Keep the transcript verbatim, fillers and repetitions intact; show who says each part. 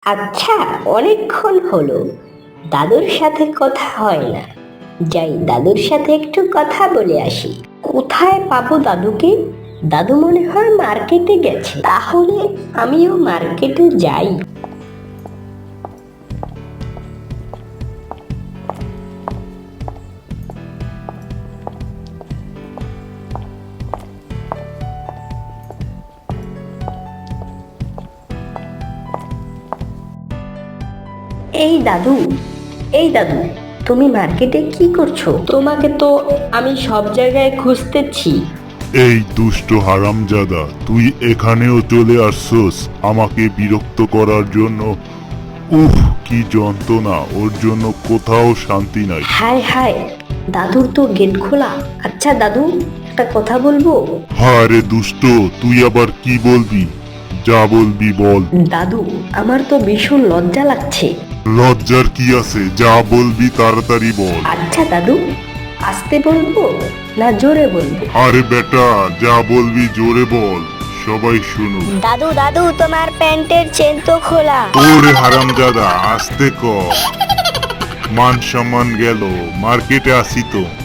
Speaker 1: আচ্ছা, অনেকক্ষণ হলো দাদুর সাথে কথা হয় না। যাই দাদুর সাথে একটু কথা বলে আসি। কোথায় পাবো দাদুকে? দাদু মনে হয় মার্কেটে গেছে। তাহলে আমিও মার্কেটে যাই। এই দাদু, এই দাদু, তুমি মার্কেটে কি করছো? তোমাকে তো আমি সব জায়গায় খুঁজতেছি।
Speaker 2: এই দুষ্ট হারামজাদা, তুই এখানেও চলে আসছস আমাকে বিরক্ত করার জন্য। উফ, কি যন্ত্রণা! ওর জন্য কোথাও শান্তি নাই।
Speaker 1: হায় হায়, দাদুর তো গেট খোলা। আচ্ছা দাদু, একটা কথা বলবো?
Speaker 2: হারে দুষ্ট, তুই আবার কি বলবি? যা বলবি বল।
Speaker 1: দাদু, আমার তো ভীষণ লজ্জা লাগছে।
Speaker 2: লজ্জার কি আছে? যা বলবি তাড়াতাড়ি বল।
Speaker 1: আচ্ছা দাদু, আস্তে বলবো না জোরে বলবো?
Speaker 2: আরে বেটা, যা বলবি জোরে বল, সবাই শুনুক।
Speaker 3: দাদু দাদু তোমার প্যান্টের চেন তো খোলা।
Speaker 2: ওরে হারামজাদা, আস্তে কর। মান সম্মান গেল, মার্কেটে আসি তো।